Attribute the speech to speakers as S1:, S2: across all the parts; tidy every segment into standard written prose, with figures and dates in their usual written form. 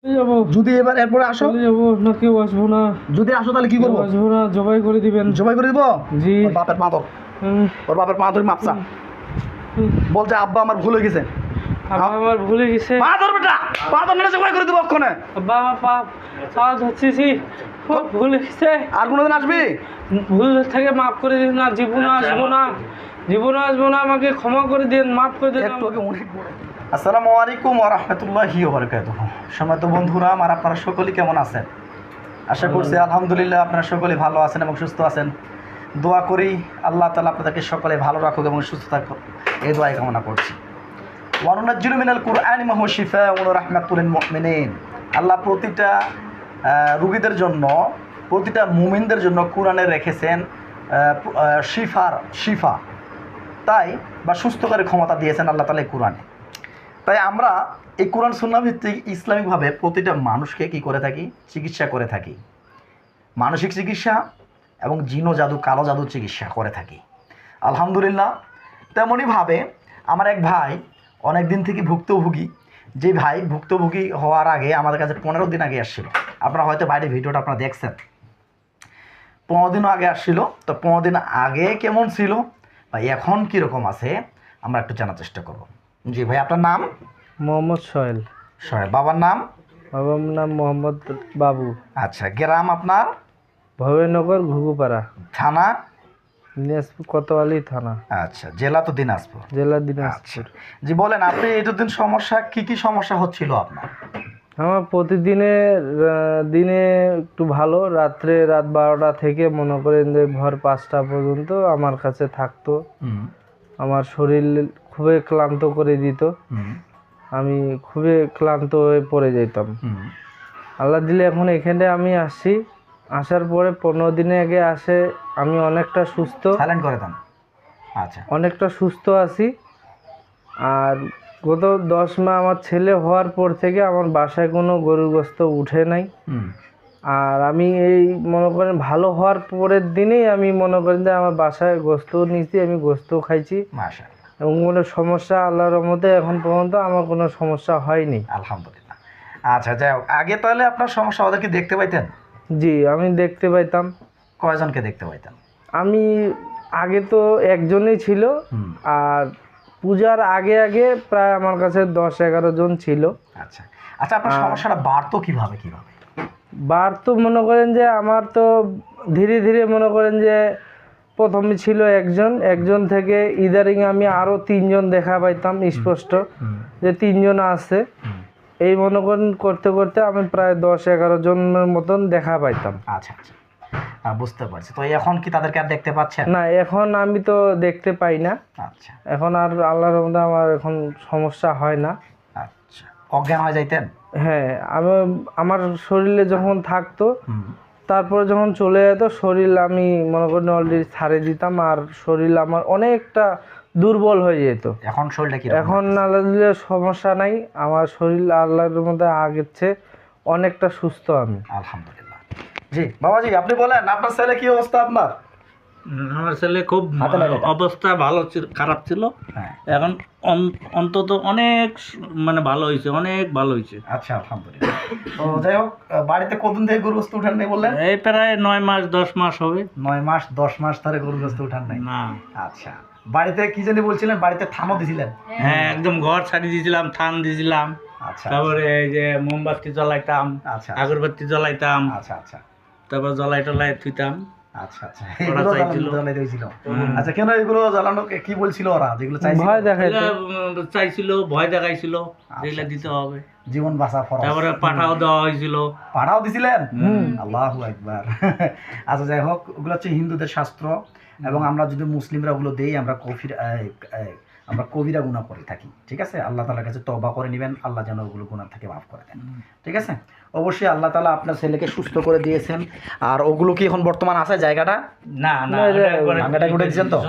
S1: যাবো।
S2: যদি এরপরে আসো,
S1: চলে যাবো না, কেউ আসবো না।
S2: যদি আসো তাহলে কি করবো?
S1: আসবো না, জবাই করে দিবেন।
S2: জবাই করে দিব?
S1: জি।
S2: ওর বাপের পা ধর, ওর বাপের পা ধরে মাপসা, বলছে আব্বা আমার ভুল হয়ে গেছে।
S1: আব্বা আমার ভুলে গেছে।
S2: পা ধর বেটা, পা ধর না, জবাই করে দিব অক্ষণে।
S1: আব্বা আমার পা ধরতেছি, খুব ভুলে গেছে।
S2: আর কোনোদিন আসবি?
S1: ভুল থেকে মাফ করে দিন না, জীবনে আসবো না, জীবনে আসবো না, আমাকে ক্ষমা করে দিন, মাফ করে দিন।
S2: একটু আগে অনেক বড়। আসসালামু আলাইকুম ওয়া রাহমাতুল্লাহি ওয়া বারাকাতুহু। সম্মানিত বন্ধুরা আমার, আপনারা সকলেই কেমন আছেন? আশা করছি আলহামদুলিল্লাহ আপনারা সকলেই ভালো আছেন এবং সুস্থ আছেন। দোয়া করি আল্লাহ তাআলা আপনাদেরকে সকলে ভালো রাখুক এবং সুস্থ থাকুক, এই দোয়াই কামনা করছি। ওয়া নুনাজ্জিলু মিনাল কুরআনি মা হুয়া শিফাউন ওয়া রাহমাতুল লিল মুমিনিন। আল্লাহ প্রতিটা রোগীদের জন্য, প্রতিটা মুমিনদের জন্য কোরআনে রেখেছেন শিফা, তাই বা সুস্থকারী ক্ষমতা দিয়েছেন আল্লাহ তাআলা এই কোরআনে। তাই আমরা এই কোরআন সুন্নাহ ভিত্তিক ইসলামিকভাবে প্রতিটা মানুষকে কী করে থাকি? চিকিৎসা করে থাকি, মানসিক চিকিৎসা এবং জিন ও জাদু, কালো জাদুর চিকিৎসা করে থাকি আলহামদুলিল্লাহ। তেমনইভাবে আমার এক ভাই অনেক দিন থেকে ভুক্তভোগী, যে ভাই ভুক্তভোগী হওয়ার আগে আমাদের কাছে 15 দিন আগে আসছিল। আপনারা হয়তো বাইরে ভিডিওটা আপনারা দেখছেন, 15 দিনও আগে আসছিল। তো 15 দিন আগে কেমন ছিল বা এখন কীরকম আছে আমরা একটু জানার চেষ্টা করব। জি ভাই, আপনার নাম?
S1: মোহাম্মদ সোহেল।
S2: সোহেল। বাবার নাম?
S1: বাবার নাম মোহাম্মদ বাবু।
S2: আচ্ছা, গ্রাম আপনার?
S1: ভবেনগর, ঘুঘুপাড়া,
S2: থানা?
S1: দিনাজপুর কোতোয়ালি থানা।
S2: আচ্ছা, জেলা তো দিনাজপুর।
S1: জেলা
S2: আচ্ছা,
S1: দিনাজপুর।
S2: জি বলেন, আপনি এতদিন সমস্যা কি সমস্যা হচ্ছিল আপনার?
S1: আমার দিনে একটু ভালো, রাত 12টা থেকে মনে করেন যে ভোর 5টা পর্যন্ত আমার কাছে থাকতো। আমার শরীর খুবই ক্লান্ত করে দিত, আমি খুবই ক্লান্ত হয়ে পড়ে যেতাম। আল্লাহ দিলে এখন এখানে আমি আসি, আসার পরে 15 দিনে আগে আসে আমি অনেকটা সুস্থ,
S2: সাইলেন্ট করে দেন। আচ্ছা,
S1: অনেকটা সুস্থ আছি। আর গত 10 মাস আমার ছেলে হওয়ার পর থেকে আমার বাসায় কোনো গরুর গোশত উঠে নাই। আর আমি এই মনে করেন ভালো হওয়ার পরের দিনেই আমি মনে করেন যে আমার বাসায় গোশত নিয়েছি, আমি গোশত খাইছি
S2: মাশাআল্লাহ।
S1: এবং কোনো সমস্যা আল্লাহর রহমতে এখন পর্যন্ত আমার কোনো সমস্যা হয়নি
S2: আলহামদুলিল্লাহ। আচ্ছা, যাই হোক, আগে তাহলে আপনার সমস্যা ওদেরকে দেখতে পাইতেন?
S1: জি, আমি দেখতে পাইতাম।
S2: কয়জনকে দেখতে পাইতেন?
S1: আমি আগে তো একজনই ছিল, আর পূজার আগে আগে প্রায় আমার কাছে 10-11 জন ছিল।
S2: আচ্ছা আচ্ছা, আপনার সমস্যাটা বাড়তো কিভাবে?
S1: বাড়তো মনে করেন যে আমার তো ধীরে ধীরে মনে করেন যে প্রথমে ছিল একজন থেকে ইদারিং আমি আরও 3 জন দেখা পাইতাম স্পষ্ট যে 3 জন আছে। এই মনে করেন করতে করতে আমি প্রায় 10-11 জনের মতন দেখা পাইতাম।
S2: আচ্ছা আচ্ছা, বুঝতে পারছি। তো এখন কি তাদেরকে আর দেখতে পাচ্ছেন?
S1: না, এখন আমি তো দেখতে পাই না।
S2: আচ্ছা,
S1: এখন আর আল্লাহর রহমতে আমার এখন সমস্যা হয় না।
S2: আচ্ছা, অজ্ঞান হয়ে যাইতেন?
S1: হ্যাঁ, আমার শরীরে যখন থাকতো, তারপরে যখন চলে যেত শরীর, আমি মনে করেন অলরেডি ছাড়ে দিতাম, আর শরীর আমার অনেকটা দুর্বল হয়ে যেত।
S2: এখন শরীরটা কি?
S1: এখন আল্লাহর সমস্যা নাই, আমার শরীর আল্লাহর মধ্যে আগের চেয়ে অনেকটা সুস্থ আমি
S2: আলহামদুলিল্লাহ। জি বাবাজি, আপনি বলেন, আপনার ছেলে কি অবস্থা? আপনার
S3: আমার ছেলে খুব অবস্থা ভালো ছিল, খারাপ ছিল। এখন অন্তত অনেক মানে ভালো হয়েছে, অনেক ভালো হয়েছে।
S2: আচ্ছা, আলহামদুলিল্লাহ। তো যাই হোক, বাড়িতে কতদিন থেকে গরু গোশত উঠান নাই বললেন?
S3: এই প্রায় 9 মাস 10 মাস হবে।
S2: 9 মাস 10 মাস ধরে গরু গোশত উঠান নাই?
S3: না।
S2: আচ্ছা, বাড়িতে কি জানি বলছিলেন, বাড়িতে থানও দিছিলেন?
S3: হ্যাঁ, একদম ঘর ছাড়ি দিয়েছিলাম, থান দিয়েছিলাম।
S2: আচ্ছা,
S3: তারপরে এই যে মোমবাতি জ্বলাইতাম,
S2: আচ্ছা,
S3: আগরবাতি জ্বলাইতাম,
S2: আচ্ছা আচ্ছা,
S3: তারপর জ্বলাই টলাই থুইতাম।
S2: আচ্ছা আচ্ছা, এগুলো জ্বালানো হয়েছিল। আচ্ছা, কেন এগুলো জ্বালানো কি বলছিল ওরা? যেগুলো
S1: ভয়
S3: চাইছিল, ভয় দেখাইছিল, যেগুলো দিতে হবে,
S2: জীবন বাঁচা ফরজ।
S3: তারপরে পাঠাও দেওয়া হয়েছিল।
S2: পাঠাও দিছিলেন? আল্লাহু আকবার। আচ্ছা, যাই হোক, ওগুলো হচ্ছে হিন্দুদের শাস্ত্র, এবং আমরা যদি মুসলিমরা ওগুলো দেই, আমরা কবিরা গুনাহ করে থাকি। ঠিক আছে, আল্লাহ তাআলার কাছে তওবা করে নেবেন, আল্লাহ যেন ওগুলো গুনাহ থেকে মাফ করে দেন। ঠিক আছে, অবশ্যই আল্লাহ তাআলা আপনার ছেলেকে সুস্থ করে দিয়েছেন। আর ওগুলো কি এখন বর্তমান আছে জায়গাটা?
S3: না না,
S2: ভাঙাটা করে দিয়েছেন তো?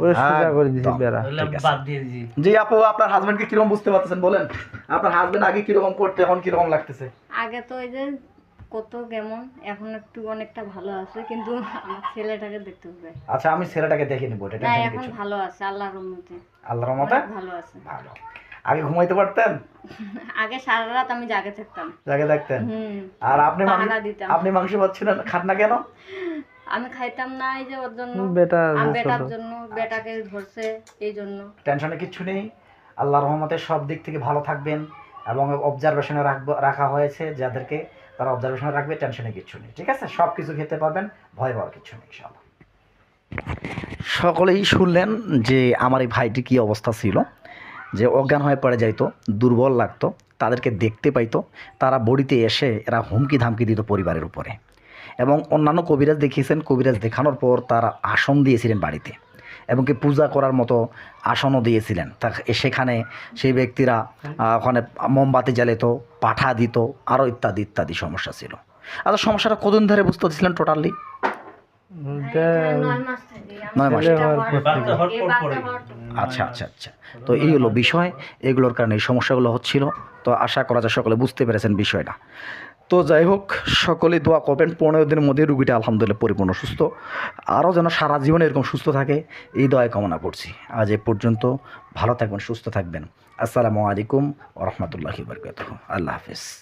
S3: বাদ দিয়ে দিয়েছি।
S2: জি আপু, আপনার হাজবেন্ডকে কিরকম বুঝতে পারতেছেন বলেন? আপনার হাজবেন্ড আগে কিরকম করতে, এখন কিরকম লাগতেছে?
S4: আগে তো ওই যে কত কেমন, এখন একটু অনেকটা ভালো আছে, কিন্তু আমার ছেলেটাকে দেখতে হবে।
S2: আচ্ছা, আমি ছেলেটাকে দেখে নিব, এটা
S4: না,
S2: টেনশন
S4: এখন
S2: কিছু।
S4: ভালো আছে আল্লাহর রহমতে।
S2: আল্লাহর রহমতে
S4: ভালো আছে।
S2: ভালো। আগে ঘুমাইতে পারতেন?
S4: আগে সারা রাত আমি জাগে থাকতাম।
S2: জাগে থাকতেন? আর আপনি
S4: পাহারা দিতাম।
S2: আপনি মাংস পাচ্ছিলেন, খান না কেন?
S4: আমি খাইতাম না এই যে ওর জন্য,
S1: বেটা
S4: বেটার জন্য, বেটাকে ধরছে এই জন্য।
S2: টেনশনে কিচ্ছু নেই, আল্লাহর রহমতে সব দিক থেকে ভালো থাকবেন এবং অবজারভেশনে রাখা হয়েছে যাদেরকে, তারা অবজারভেশনে রাখবে, টেনশনে কিচ্ছু নেই, ঠিক আছে? সব কিছু খেতে পারবেন, ভয় পাওয়ার কিচ্ছু নেই ইনশাআল্লাহ। সকলেই শুনলেন যে আমার এই ভাইটি কী অবস্থা ছিল, যে অজ্ঞান হয়ে পড়ে যাইতো, দুর্বল লাগতো, তাদেরকে দেখতে পাইতো, তারা বড়িতে এসে এরা হুমকি ধামকি দিত পরিবারের উপরে। এবং অন্যান্য কবিরাজ দেখিয়েছেন, কবিরাজ দেখানোর পর তারা আসন দিয়েছিলেন বাড়িতে, এবং কি পূজা করার মতো আসনও দিয়েছিলেন। তা সেখানে সেই ব্যক্তিরা ওখানে মোমবাতি জ্বালিত, পাঠা দিত, আরও ইত্যাদি ইত্যাদি সমস্যা ছিল। আচ্ছা, সমস্যাটা কতদিন ধরে বুঝতে পারছিলেন টোটালি?
S4: 9 মাস থেকে
S2: 9 মাস।
S3: বাচ্চা হওয়ার পর পরে।
S2: আচ্ছা আচ্ছা আচ্ছা, তো এই হলো বিষয়, এগুলোর কারণে এই সমস্যাগুলো হচ্ছিল। তো আশা করা যায় সকলে বুঝতে পেরেছেন বিষয়টা। তো যাই হোক, সকলেই দোয়া করবেন 15 দিনের মধ্যে রুগীটা আলহামদুলিল্লাহ পরিপূর্ণ সুস্থ, আরও যেন সারা জীবন এরকম সুস্থ থাকে এই দোয়া কামনা করছি। আজ এ পর্যন্ত, ভালো থাকবেন, সুস্থ থাকবেন। আসসালামু আলাইকুম ওয়া রাহমাতুল্লাহি ওয়া বারাকাতুহু। আল্লাহ হাফেজ।